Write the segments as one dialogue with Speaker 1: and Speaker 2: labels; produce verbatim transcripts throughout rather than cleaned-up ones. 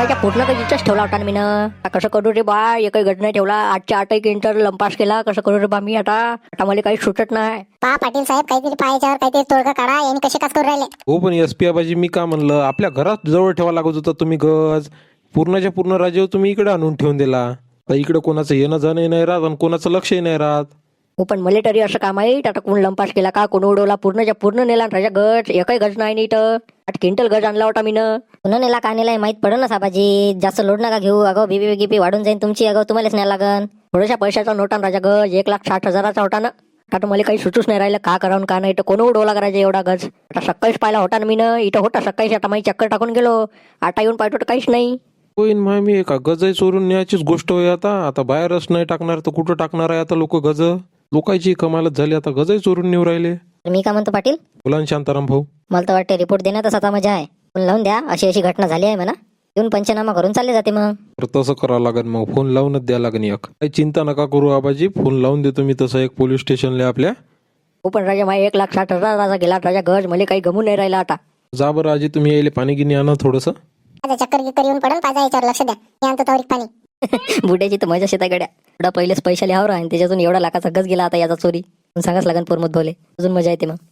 Speaker 1: पूर्णाच्या पूर्ण कधीच ठेवला होता ना मी ना. कसं करू रे बा, एकही गट नाही ठेवला. आजच्या आठही क्विंटल लंपास केला. कसं करू रे बा मी आता आता मला काही सुटत नाही.
Speaker 2: पहा पाटील साहेब, काहीतरी पायाच्यावर काहीतरी तोडगा काढा. यांनी कसे कास करू राहिले?
Speaker 3: हो पण एस पी आबाजी मी का म्हणलं, आपल्या घरात जवळ ठेवा लागत होता तुम्ही गज. पूर्णच्या पूर्ण राज्य तुम्ही इकडे आणून ठेवून दिला. तर इकडे कोणाचं येणं जाणं नाही राहत आणि कोणाचं लक्षही नाही राहत.
Speaker 1: हो पण मला तरी असं काम आहे, आता कोण लंपास केला का, कोण उडवला. पूर्णच्या पूर्ण नेला राजा गज. एकही गज नाही नीट. आठ क्विंटल गज आणला होता मी ना.
Speaker 2: पुन्हा नेला का नेला माहित पडलं ना साबाजी. जास्त लोड नका घेऊ. अगं बीबी गिपी वाढून जाईल तुमची. अगं तुम्हालाच नाही लागन.
Speaker 1: थोड्याशा पैशाचा नोटा राजा गज. एक लाख साठ हजाराचा होता ना. आता मला काही सुचूच नाही राहिलं का करावून का नाही. तर कोण उडवला करायचं एवढा गज. आता सकाळीच पाहिला होता ना मी ना. इथं होता सकाळीच. आता माझी चक्कर टाकून गेलो. आता येऊन पाहतो तर काहीच नाही.
Speaker 3: होईन माय मी एका गजही चोरून न्यायचीच गोष्ट होय. आता आता बाहेरच नाही टाकणार तर कुठं टाकणार आहे आता लोक गज. लोकांची कमालच झाली. आता गजही चोरून नेऊ राहिले.
Speaker 2: मी का म्हणतो पाटील,
Speaker 3: बोला ना शांताराम भाऊ.
Speaker 2: मला तर वाटते रिपोर्ट देण्यातच आता मजा आहे. पण लावून द्या, अशी अशी घटना झाली आहे म्हणा. येऊन पंचनामा करून चालले जाते मग.
Speaker 3: तर तसं करावं लागेल मग. फोन लावूनच द्या लागेल एक. काही चिंता नका करू आबाजी. फोन लावून देतो मी तसं एक पोलीस स्टेशनला आपल्या.
Speaker 1: हो पण राजा माझ्या एक लाख साठ हजाराचा गेला राजा गज. मला काही गमून नाही राहिला आता.
Speaker 3: जा बरं आजी, तुम्ही यायले पाणी गिनी आणा थोडंसं.
Speaker 2: माझा चक्कर गिक्कर येऊन पडून पाजा याच्यावर लक्ष द्या. मी आणतो तवरीक पाणी.
Speaker 1: बुड्याची तर मजा शेता गड्या. एवढा पहिलेच पैशाले हावर आणि त्याच्यातून एवढा लाखाचा गज गेला आता याचा चोरी. पण सांगाच लागन पोरमत भोले. अजून मजा येते मग.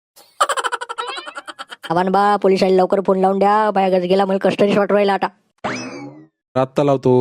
Speaker 1: आव्हान बा, पोलिसांनी लवकर फोन लावून द्या. बाया गज गेला, मला कस्टडीच वाटू राहिला आता.
Speaker 3: आत्ता लावतो.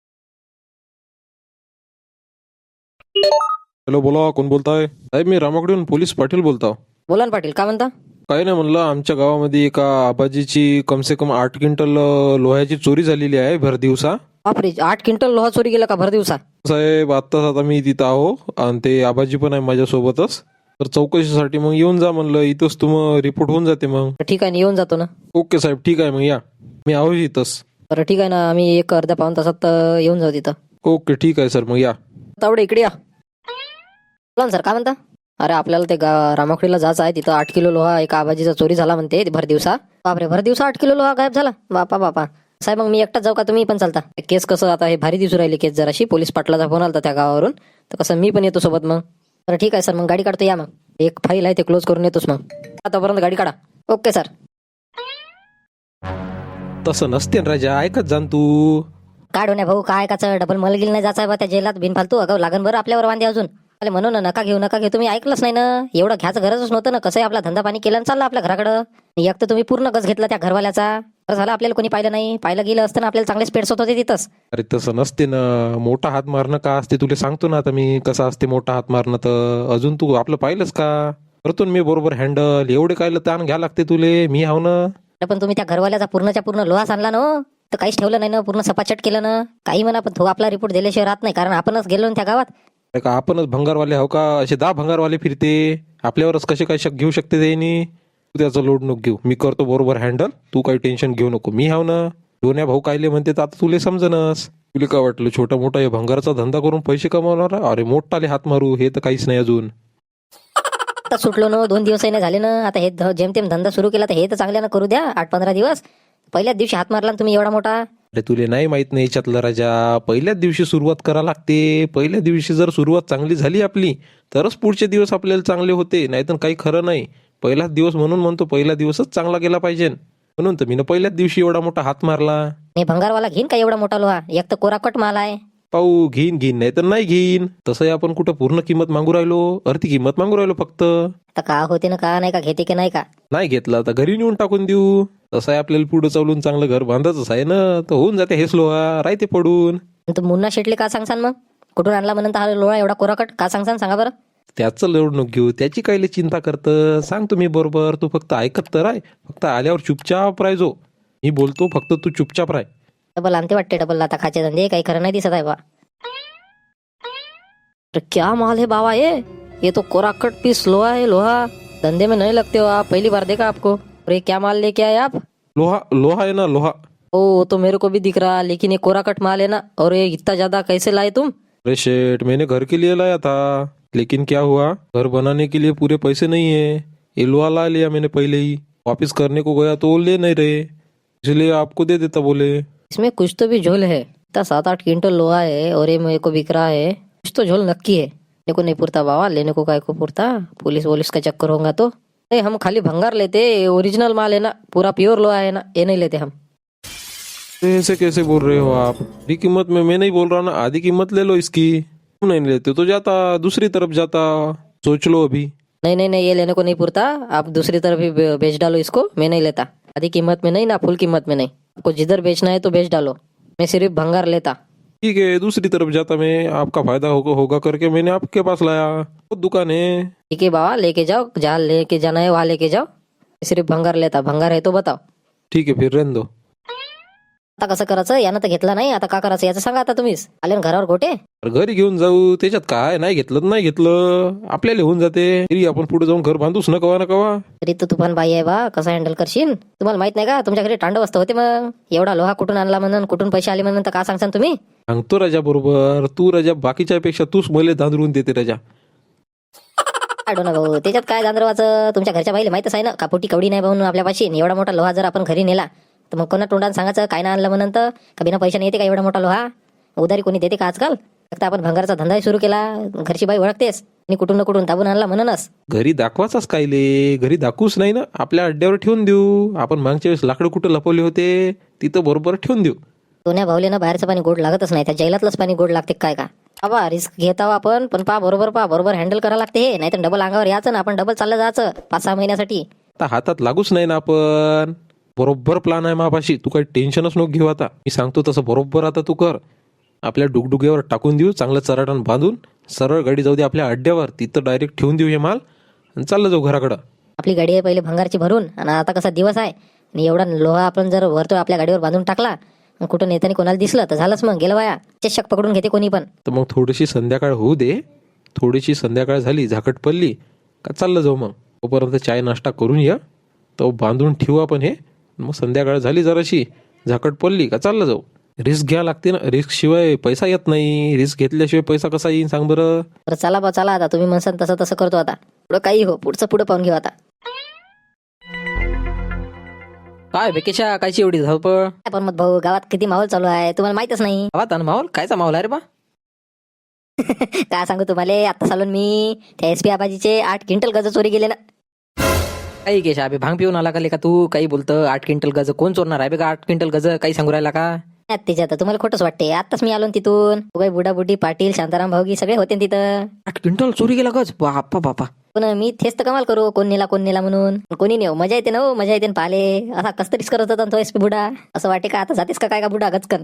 Speaker 3: हॅलो, बोला, कोण बोलताय? साहेब मी रामाकडून पोलीस पाटील बोलतो.
Speaker 1: बोला ना पाटील, काय म्हणता?
Speaker 3: काही नाही म्हणलं, आमच्या गावामध्ये एका आबाजीची कमसे कम आठ क्विंटल अं, लोह्याची चोरी झालेली आहे भर दिवसा.
Speaker 1: बापरे, आठ क्विंटल लोहा चोरी गेला का भर दिवसा?
Speaker 3: साहेब आत्ताच आता मी तिथं आहो आणि ते आबाजी पण आहे माझ्यासोबतच. तर चौकशीसाठी मग येऊन जा म्हणलं. इथंच तुम रिपोर्ट होऊन जाते मग.
Speaker 1: ठीक आहे ना, येऊन जातो ना.
Speaker 3: ओके साहेब, ठीक आहे मग या. मी आहो इथंच.
Speaker 1: बरं ठीक आहे ना, आम्ही एक अर्ध्या पाऊन तासात अं, येऊन जाऊ तिथं.
Speaker 3: ओके ठीक आहे सर, मग या.
Speaker 1: तावडे इकडे या. बोला ना सर, काय म्हणता? अरे आपल्याला ते गा रामाखडीला जायचं आहे. तिथं आठ किलो लोहा एका आबाजीचा चोरी झाला म्हणते भर दिवसा. बापरे, भर दिवसा आठ किलो लोहा गायब झाला. बापा बापा. साहेब मग मी एकटाच जाऊ का, तुम्ही पण चालता? केस कसं आता हे भारी दिसू राहिली केस जराशी. पोलीस पाटलाचा फोन आला त्या गावावरून. तर कसं मी पण येतो सोबत मग. बरं ठीक आहे सर, मग गाडी काढतो या मग. एक फाईल आहे ते क्लोज करून येतोच मग. आतापर्यंत गाडी काढा. Okay sir.
Speaker 3: तसं नसते ना राजा, ऐकत जाण तू.
Speaker 1: काढ होण्या भाऊ, काय काचं डबल मलगिल नाही जायचं बा त्या जेलात बिनफालतू. अगं लागन बरं आपल्यावर वांदे अजून. अरे म्हणून ना, नका घेऊ नका घेऊ. तुम्ही ऐकलंच नाही ना. एवढं घ्यायचं गरजच नव्हतं ना. कसं आपला धंदा पाणी केला आणि चालला आपल्या घराकडं. एक तर तुम्ही पूर्ण गज घेतला त्या घरवाल्याचा. बरं झालं आपल्याला कोणी पाहिलं नाही. पाहिलं गेलं असतं ना, आपल्याला चांगलेच पेट्स होते तिथंच.
Speaker 3: अरे तसं नसते ना. मोठा हात मारणं का असते तुला सांगतो ना आता मी. कसं असते मोठा हात मारणं. तर अजून तू आपलं पाहिलंच का? करतो ना मी बरोबर हँडल. एवढे काय ताण घ्या लागते तुले, मी हाव ना.
Speaker 1: पण तुम्ही त्या घरवाल्याचा पूर्णच्या पूर्ण लोहास आणला ना हो. तर काहीच ठेवलं नाही ना, पूर्ण सपाचट केलं ना. काही म्हणा पण तो आपला रिपोर्ट दिल्याशिवाय राहत नाही. कारण आपणच गेलो ना त्या गावात.
Speaker 3: अरे का आपणच भंगारवाले हो का? असे दहा भंगारवाले फिरते. आपल्यावरच कसे काय शक घेऊ शकते त्यांनी. तू त्याचा लोड नको घेऊ. मी करतो बरोबर हँडल. तू काही टेन्शन घेऊ नको. मी हाव ना. दोन्या भाऊ कायले म्हणते तर आता तुले समजनस. तुला काय वाटलं छोटा मोठा हे भंगाराचा धंदा करून पैसे कमावणार? अरे मोठाले हात मारू हे तर काहीच नाही अजून.
Speaker 1: आता सुटलो ना, दोन दिवसही नाही झाले ना. आता हे ध- जेमतेम धंदा सुरू केला तर हे तर चांगल्यानं करू द्या. आठ पंधरा दिवस. पहिल्याच दिवशी हात मारला ना तुम्ही एवढा मोठा.
Speaker 3: अरे तुले नाही माहित नाही याच्यातलं राजा. पहिल्याच दिवशी सुरुवात करा लागते. पहिल्या दिवशी जर सुरुवात चांगली झाली आपली तरच पुढचे दिवस आपल्याला चांगले होते. नाहीतर काही खरं नाही. पहिलाच दिवस म्हणून म्हणतो पहिला दिवसच चांगला गेला पाहिजे. म्हणून तर मी ना पहिल्याच दिवशी एवढा मोठा हात मारला.
Speaker 1: मी भंगारवाला घेईन का एवढा मोठा लोहा? एक तर कोराकट माल आहे.
Speaker 3: पाहू घेईन घेईन नाही तर नाही घेईन. तसंही आपण कुठं पूर्ण किंमत मागू राहिलो. अर्धी किंमत मागू राहिलो फक्त.
Speaker 1: तर का होते ना, का नाही का, घेते की नाही का?
Speaker 3: नाही घेतला तर घरी नेऊन टाकून देऊ. तसं आहे आपल्याला पुढे चालून चांगलं घर बांधायचंच आहे ना. तर होऊन जाते हेच लोहा राहते पडून.
Speaker 1: तू मुन्ना शेटले का सांगसान मग? कुठून आणला म्हणून हा लोहा एवढा कोराकट का सांगसान, सांगा बरं?
Speaker 3: त्याचं लोड नको घेऊ. त्याची कायले चिंता करतं सांग तुम्ही बरोबर. तू फक्त ऐकत तर आहे. फक्त आल्यावर चुपचाप राहायचो. मी बोलतो फक्त तू चुपचाप राह.
Speaker 1: डबल आणते वाटते. डबल आता खाचे धंदे काही खरं नाही दिसत आहे बा. तो क्या माल है बाबा ये ये तो कोराकट पीस लोहा है. लोहा धंधे में नहीं लगते हो आप, पहली बार देखा आपको. और ये क्या माल लेके आए आप?
Speaker 3: लोहा लोहा है ना लोहा.
Speaker 1: ओ वो तो मेरे को भी दिख रहा, लेकिन ये कोराकट माल है ना. और ये इतना ज्यादा कैसे लाए तुम?
Speaker 3: अरे शेठ मैंने घर के लिए लाया था. लेकिन क्या हुआ, घर बनाने के लिए पूरे पैसे नहीं है. ये लोहा ला लिया मैंने पहले ही. वापिस करने को गया तो वो ले नहीं रहे, इसलिए आपको दे देता बोले.
Speaker 1: इसमें कुछ तो भी झोल है. इतना सात आठ क्विंटल लोहा है और ये मेरे को बिक रहा है. कुछ तो झोल नक्की है. लेने को नहीं पुरता बाबा, लेने को काय को पुरता. पुलिस वोलिस का चक्कर होगा तो नहीं. हम खाली भंगार लेते. ओरिजिनल माल है ना, पूरा प्योर लोहा है ना, ये नहीं लेते हम.
Speaker 3: ऐसे कैसे बोल रहे हो आप? आधी कीमत में मैं नहीं बोल रहा ना, आधी कीमत ले लो इसकी। तुम नहीं लेते तो जाता, दूसरी तरफ जाता। सोच लो अभी।
Speaker 1: नहीं नहीं नहीं, ये लेने को नहीं पुरता। आप दूसरी तरफ ही बे- बेच डालो इसको, मैं नहीं लेता। आधी कीमत में नहीं ना, फुल कीमत में नहीं। आपको जिधर बेचना है तो बेच डालो, मैं सिर्फ भंगार लेता।
Speaker 3: ठीक है, दूसरी तरफ जाता मैं, आपका फायदा होगा होगा करके मैंने आपके पास लाया। वो दुकान है।
Speaker 1: ठीक है बाबा, लेके जाओ, जहाँ लेके जाना है वहाँ लेके जाओ। मैं सिर्फ भंगार लेता, भंगार है तो बताओ।
Speaker 3: ठीक है फिर रहने दो।
Speaker 1: आता कसं करायचं? यानं तर घेतला नाही, आता का करायचं याचं सांगा आता तुम्हीच। आले ना घरावर गोटे?
Speaker 3: अरे घरी घेऊन जाऊ, त्याच्यात काय? नाही घेतलं तर नाही घेतलं, आपल्याला होऊन जाते। तरी आपण पुढे जाऊन घर बांधूच न कवा ना कवा।
Speaker 1: तरी तू तुफान बाई आहे बा, कसं हँडल करशील? तुम्हाला माहित नाही का तुमच्या घरी तांडव असतं होते? मग एवढा लोहा कुठून आणला म्हणून, कुठून पैसे आले म्हणून तर का सांगसान तुम्ही?
Speaker 3: सांगतो राजा बरोबर, तू राजा बाकीच्या पेक्षा तूच मले दांदरून देते राजा।
Speaker 1: आडो ना भाऊ, त्याच्यात काय दांदरवाचं? तुमच्या घरच्या बाईला माहितच आहे ना, कापोटी कवडी नाही म्हणून आपल्यापाशी। एवढा मोठा लोहा जर आपण घरी नेला तर मग कोणा तोंडाने सांगायचं काय ना आणलं म्हणून? तर का बिना पैशाने येते का एवढा मोठा लोहा? उधारी कोणी देते का आजकाल? फक्त आपण भंगारचा धंदाही सुरू केला, घरची बाई ओळखतेस आणि कुठून ना कुठून दाबून आणला म्हणूनच।
Speaker 3: घरी दाखवाचाच कायले? घरी दाखवूच नाही ना, आपल्या अड्ड्यावर ठेवून देऊ। आपण मागच्या वेळेस लाकडं कुठं लपवले होते तिथं बरोबर ठेवून देऊ।
Speaker 1: सोन्या भावले ना बाहेरचं पाणी गोड लागतच नाही, त्या जैलातलंच पाणी गोड लागते काय का? बाबा रिस्क घेत आहो आपण, पण पा बरोबर पा बरोबर हँडल करावं लागते हे, नाही तर डबल अंगावर यायचं ना आपण, डबल चाललं जायचं पाच सहा महिन्यासाठी।
Speaker 3: आता हातात लागूच नाही ना आपण। बरोबर प्लान आहे मापाशी, तू काही टेन्शनच नको घेऊ। आता मी सांगतो तसं बरोबर आता तू कर। आपल्या डुगडुग्यावर टाकून देऊ, चांगलं चराटण बांधून सरळ गाडी जाऊ दे आपल्या अड्ड्यावर, तिथं डायरेक्ट ठेवून देऊ हे माल आणि चाललं जाऊ घराकडं।
Speaker 1: आपली गाडी आहे पहिले भंगारची भरून, आणि आता कसा दिवस आहे आणि एवढा लोहा आपण जर वरतो आपल्या गाडीवर बांधून टाकला, मग कुठं नेतानी कोणाला दिसलं तर झालंच, मग गेलं वाया। चषक पकडून घेते कोणी पण।
Speaker 3: तर मग थोडीशी संध्याकाळ होऊ दे, थोडीशी संध्याकाळ झाली, झाकट पडली का चाललं जाऊ मग। तोपर्यंत चाय नाश्ता करून या, तो बांधून ठेवू आपण हे। मग संध्याकाळ झाली जराशी, झाकट पडली का चाललं जाऊ। रिस्क घ्या लागते ना, रिस्क शिवाय पैसा येत नाही, रिस्क घेतल्याशिवाय पैसा कसा येईल सांग बरं।
Speaker 1: बरं चला बा चला, आता तुम्ही म्हणसान तसं तसं करतो। आता पुढं काही हो, पुढचं पुढं पाहून घेऊ आता।
Speaker 4: काय बेकेशा कायची एवढी धावपळ?
Speaker 1: काय पण मग भाऊ, गावात किती माहोल चालू आहे तुम्हाला माहितच नाही?
Speaker 4: गावात आणि माहोल कायचा माहोल आहे रे बा?
Speaker 1: काय सांगू तुम्हाला, आता चालून मी त्या एस पी आबाजीचे आठ क्विंटल गज चोरी गेले ना।
Speaker 4: काही केशा अबे भांग पिऊन आला का लेका तू? काही बोलतं आठ क्विंटल गज कोण चोरणार आहे बे? का आठ क्विंटल गज काही सांगू राहिला का?
Speaker 1: त्याच्यात तुम्हाला खोटंच वाटते, आताच मी आलो ना तिथून। काही बुडा बुडी पाटील शांताराम भाऊगी सगळे होते ना तिथं।
Speaker 4: आठ क्विंटल चोरी गेला गज? बापा बापा.
Speaker 1: पण मी तेच तर कमाल करू, कोण नेला कोण नेला म्हणून। कोणी नेऊ, मजा येते ना हो, मजा येते ना पाले। असा कस तरीच करत होता ना तो एस पी बुडा। असं वाटे का आता जातेस का काय का बुडा गचकन?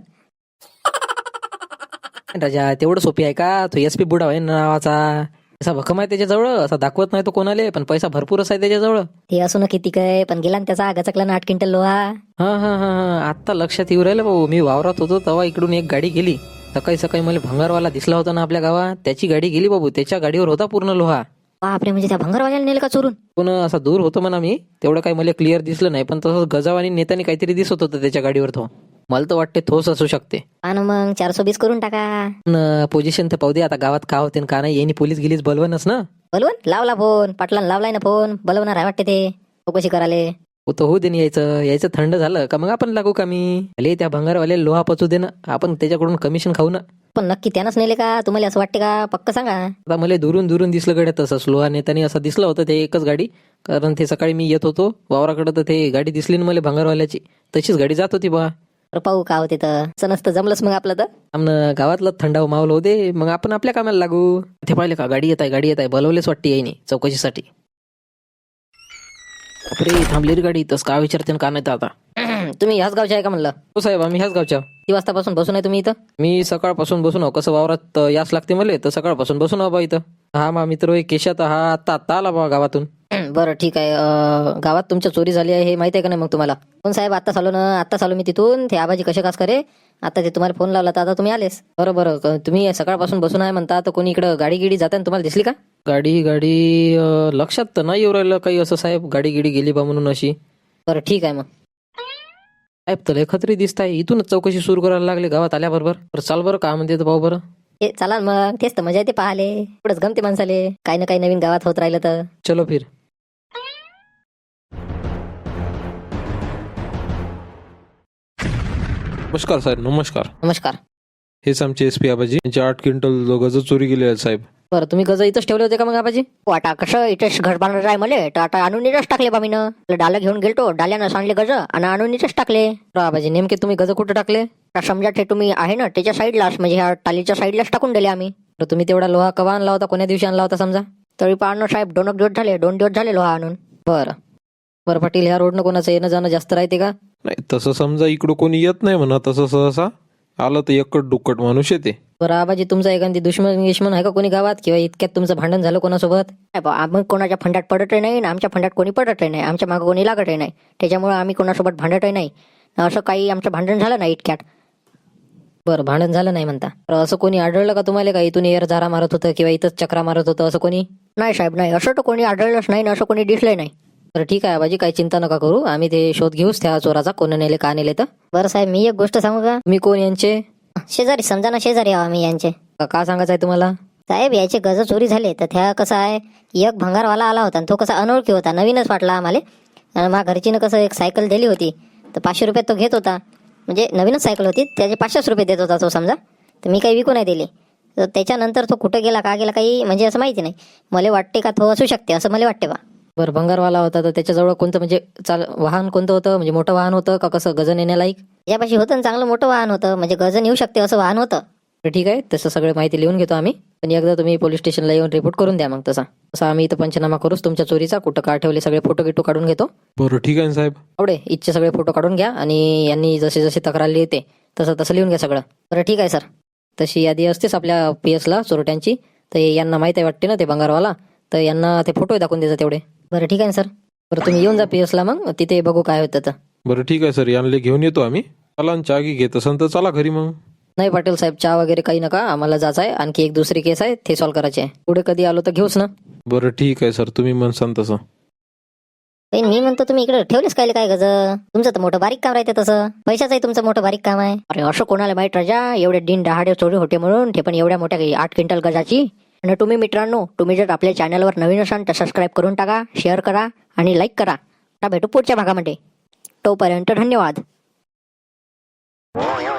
Speaker 4: राजा तेवढं सोपी आहे का? तो एस पी बुडा आहे ना नावाचा, असा भक्कम आहे त्याच्याजवळ, असा दाखवत नाही तो कोणाले, पण पैसा भरपूरच आहे त्याच्याजवळ।
Speaker 1: ते असू ना किती काय, पण गेला ना त्याचा गचकला ना आठ क्विंटल लोहा।
Speaker 4: हा हा हा हा आता लक्षात येऊ राहिलं भाऊ, मी वावरात होतो तेव्हा इकडून एक गाडी गेली सकाळी सकाळी, मला भंगारवाला दिसला होता ना आपल्या गावात, त्याची गाडी गेली बाबू, त्याच्या गाडीवर होता पूर्ण लोहा।
Speaker 1: बापरे, म्हणजे त्या भंगारवाल्याला नेलं का चोरून?
Speaker 4: पण असा दूर होतो म्हणा मी, तेवढं काही मला क्लिअर दिसलं नाही, पण तसं गजावानी नेत्याने काहीतरी दिसत होतं त्याच्या गाडीवर। तो मला तर वाटते थोस असू शकते।
Speaker 1: आणि मग चारशे बीस करून टाका।
Speaker 4: पोझिशन तर पाहू दे आता, गावात का होते का नाही, यांनी पोलीस गेलीच बोलवणच ना।
Speaker 1: बोलवून लावला फोन, पाटलान लावलाय ना फोन, बोलवणार आहे वाटते ते चौकशी कराले।
Speaker 4: हो तर होऊ दे ना, यायचं यायचं थंड झालं का मग आपण लागू का मी अले त्या भंगारवाले लोहा पचू दे ना, आपण त्याच्याकडून कमिशन खाऊ ना।
Speaker 1: पण नक्की त्यानंच नेले का? तुम्हाला असं वाटते का? पक्क सांगा।
Speaker 4: आता मला दुरून दुरून दिसलं गड्या तसंच, लोहा नेत्याने असं दिसलं होतं ते एकच गाडी, कारण ते सकाळी मी येत होतो वावराकडे तर ते गाडी दिसली ना मला भंगारवाल्याची, तशीच गाडी जात होती बा।
Speaker 1: तर पाहू का होते तर, असं नसतं जमलंच मग आपलं तर।
Speaker 4: आमनं गावातलं थंडाव माहोल होऊ दे, मग आपण आपल्या कामाला लागू। ते पाहिले का गाडी येत आहे, गाडी येत आहे, बोलवलेच वाटते यायनी चौकशीसाठी। अरे थांबली रे गाडी, तस का विचारते का नाही तर आता।
Speaker 1: तुम्ही ह्याच गावचे आहे का म्हणलं?
Speaker 4: हो साहेब, आम्ही ह्याच गावच्या।
Speaker 1: किती वाजतापासून बसून आहे तुम्ही इथं?
Speaker 4: मी सकाळपासून बसून आहो, कसं वावरात अं, यास लागते मला, तर सकाळपासून बसून आहो बा इथं। हा मा मित्र होय केशात, हा आत्ता आत्ता आला बा गावातून।
Speaker 1: बरं ठीक आहे। अं, गावात तुमच्या चोरी झाली आहे हे माहिती आहे का नाही मग तुम्हाला? पण साहेब आता चालू ना, आता चालू मी तिथून, ते आबाजी कसे कास करे, आता ते तुम्हाला फोन लावला तर आता तुम्ही आलेस। बरं बरं, क- तुम्ही सकाळपासून बसून आहे म्हणता, तर कोणी इकडं गाडी गिडी जाताना तुम्हाला दिसली का?
Speaker 4: गाडी गाडी अं, लक्षात तर नाही येऊ राहिलं काही असं साहेब, गाडी गिडी गेली बा म्हणून अशी।
Speaker 1: बरं ठीक आहे मग।
Speaker 4: साहेब तर लय खत्री दिसत आहे, इथूनच चौकशी सुरू करायला लागले गावात आल्याबरोबर। बरं चाल बरं, का म्हणते तर भाऊ बरं।
Speaker 1: हे चला ना मग, तेच तर मजा येते पाहाले, पुढंच गमते माणसाले, काही ना काही नवीन गावात होत राहिलं तर।
Speaker 4: चलो फिर।
Speaker 3: नमस्कार साहेब, नमस्कार।
Speaker 1: नमस्कार।
Speaker 3: हेच आमचे एस पी आबाजी, यांचे आठ क्विंटल गज चोरी गेले आहेत साहेब।
Speaker 1: बरं तुम्ही गज इथंच ठेवले होते का मग आबाजी?
Speaker 2: हो, आता कसं इथेच घर बांधणार आहे मले तर आता आणून इथंच टाकले बा मीनं. डालं घेऊन गेलतो, डाल्यानं सांडले गज आणि आणून इथंच टाकले.
Speaker 1: बरं आबाजी नेमके तुम्ही गज कुठं टाकले?
Speaker 2: आता समजा ते तुम्ही आहे ना त्याच्या साईडलाच, म्हणजे ह्या टालीच्या साईडलाच टाकून दिले आम्ही.
Speaker 1: बरं तुम्ही तेवढा लोहा कवा आणला होता, कोण्या दिवशी आणला होता समजा?
Speaker 2: तरी पाहणं साहेब, दोन एक दिवस झाले, दोन दिवस झाले लोहा आणून.
Speaker 1: बरं बरं पाटील, ह्या रोडनं कोणाचं येणं जाणं जास्त राहते का?
Speaker 3: नाही तसं समजा इकडं कोणी येत नाही म्हणा, तसं सहसा आलं तर एकट दुक्कट माणूस येते.
Speaker 1: बरं आबाजी तुमचा एखादी दुश्मन गिश्मन आहे का कोणी गावात, किंवा इतक्यात तुमचं भांडण झालं कोणासोबत?
Speaker 2: नाही बा, आम्ही कोणाच्या फंडात पडतही नाही आणि आमच्या फंडात कोणी पडतही नाही, आमच्या मागं कोणी लागतही नाही, त्याच्यामुळे आम्ही कोणासोबत भांडतही नाही. असं काही आमचं भांडण झालं नाही इतक्यात.
Speaker 1: बरं भांडण झालं नाही म्हणता. तर असं कोणी आढळलं का तुम्हाला का इथून एअर झारा मारत होतं किंवा इथंच चक्रा मारत होतं असं कोणी?
Speaker 2: नाही साहेब, नाही, असं तर कोणी आढळलंच नाही, असं कोणी दिसलंय नाही.
Speaker 1: बरं ठीक आहे आबाजी, काही चिंता नका करू, आम्ही ते शोध घेऊच त्या चोराचा, कोण नेले का नेले तर.
Speaker 2: बरं साहेब, मी एक गोष्ट सांगू का?
Speaker 1: मी कोण यांचे?
Speaker 2: शेजारी, समजा ना शेजारी आहो आम्ही यांचे.
Speaker 1: का का सांगायचं आहे तुम्हाला?
Speaker 2: साहेब याचे गज चोरी झाले तर त्या कसं आहे, एक भंगारवाला आला होता आणि तो कसा अनोळखी होता, नवीनच वाटला आम्हाला. आणि माझ्या घरचीनं कसं एक सायकल दिली होती तर पाचशे रुपयात तो घेत होता, म्हणजे नवीनच सायकल होती, त्याचे पाचशेच रुपये देत होता तो समजा. तर मी काही विकू नाही दिले. तर त्याच्यानंतर तो कुठं गेला का गेला काही म्हणजे असं माहिती नाही. मला वाटते का तो असू शकते, असं मला वाटते बा.
Speaker 1: बरं भंगारवाला होता तर त्याच्याजवळ कोणतं म्हणजे चाल वाहन कोणतं होतं, म्हणजे मोठं वाहन होतं का कसं गजन येण्यालायक?
Speaker 2: यापाशी होतं ना चांगलं मोठं वाहन होतं, म्हणजे गजन येऊ शकते असं वाहन होतं.
Speaker 1: तर ठीक आहे, तसं सगळं माहिती लिहून घेतो आम्ही. पण एकदा तुम्ही पोलीस स्टेशनला येऊन रिपोर्ट करून द्या मग. तसा तसा आम्ही इथं पंचनामा करूच तुमच्या चोरीचा, कुठं का ठेवले सगळे फोटो गिटो काढून घेतो.
Speaker 3: बरं ठीक आहे ना साहेब.
Speaker 1: आवडे इथचे सगळे फोटो काढून घ्या आणि यांनी जसे जसे तक्रार लिहिते तसं तसं लिहून घ्या सगळं. बरं ठीक आहे सर, तशी यादी असतेच आपल्या पी एसला चोरट्यांची, तर यांना माहीत आहे वाटते ना ते भंगारवाला, तर यांना ते फोटो दाखवून द्यायचा तेवढे.
Speaker 2: बरं ठीक आहे ना सर.
Speaker 1: बरं तुम्ही येऊन जा पी एसला, मग तिथे बघू काय होतं तर.
Speaker 3: बरं ठीक आहे सर, यांना घेऊन येतो आम्ही. चला न चहा की घेत असेल तर चला घरी मग.
Speaker 1: नाही पाटील साहेब, चहा वगैरे काही नका, आम्हाला जायचं आहे, आणखी एक दुसरी केस आहे ते सॉल्व्ह करायचे आहे. पुढे कधी आलो तर घेऊच ना.
Speaker 3: बरं ठीक आहे सर, तुम्ही म्हणसान तसं.
Speaker 2: पण मी म्हणतो तुम्ही इकडे ठेवलेच काय काय गज, तुमचं तर मोठं बारीक काम राहते तसं, पैशाचंही तुमचं मोठं बारीक काम आहे. अरे असं कोणाला माहित राजा, एवढे दिन दहाडे चोरी होते म्हणून, ते पण एवढ्या मोठ्या काही आठ क्विंटल गजाची. आणि तुम्ही मित्रांनो, तुम्ही जर आपल्या चॅनलवर नवीन असाल तर सबस्क्राईब करून टाका, शेअर करा आणि लाईक करा. आता भेटू पुढच्या भागामध्ये, तोपर्यंत धन्यवाद.